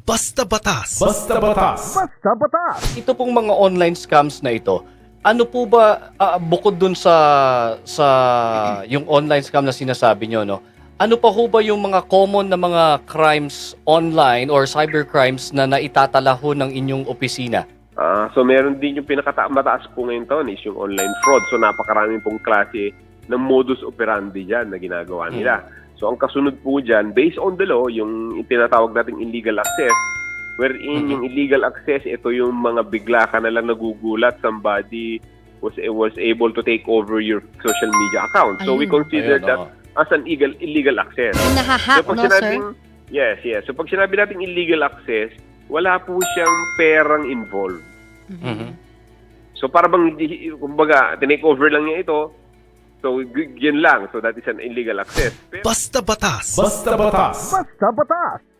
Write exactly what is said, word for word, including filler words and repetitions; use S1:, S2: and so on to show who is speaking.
S1: Basta Batas.
S2: Basta Batas.
S3: Basta Batas!
S4: Ito pong mga online scams na ito, ano po ba ah, bukod dun sa sa yung online scam na sinasabi nyo, no? Ano pa ho ba yung mga common na mga crimes online or cybercrimes na naitatala ho ng inyong opisina?
S5: Ah, so meron din yung pinakamataas po ngayon taon is yung online fraud. So napakaraming pong klase ng modus operandi dyan na ginagawa nila. So ang kasunod po dyan, based on the law, yung tinatawag nating illegal access, wherein yung illegal access, ito yung mga bigla ka na lang nagugulat, somebody was was able to take over your social media account. So we
S6: Ayun.
S5: consider
S4: Ayun,
S5: that
S4: oo.
S5: as an illegal illegal access.
S6: Yung nahahack,
S5: So pag
S6: no, sir?
S5: sinabing, yes, yes. So pag sinabi nating illegal access, wala po siyang perang involved.
S4: Mhm.
S5: So para bang, hindi- kumbaga, tinake over lang niya ito, so g- yun lang. So that is an illegal access. Pero,
S1: Basta Batas.
S2: Basta Batas.
S3: Basta Batas!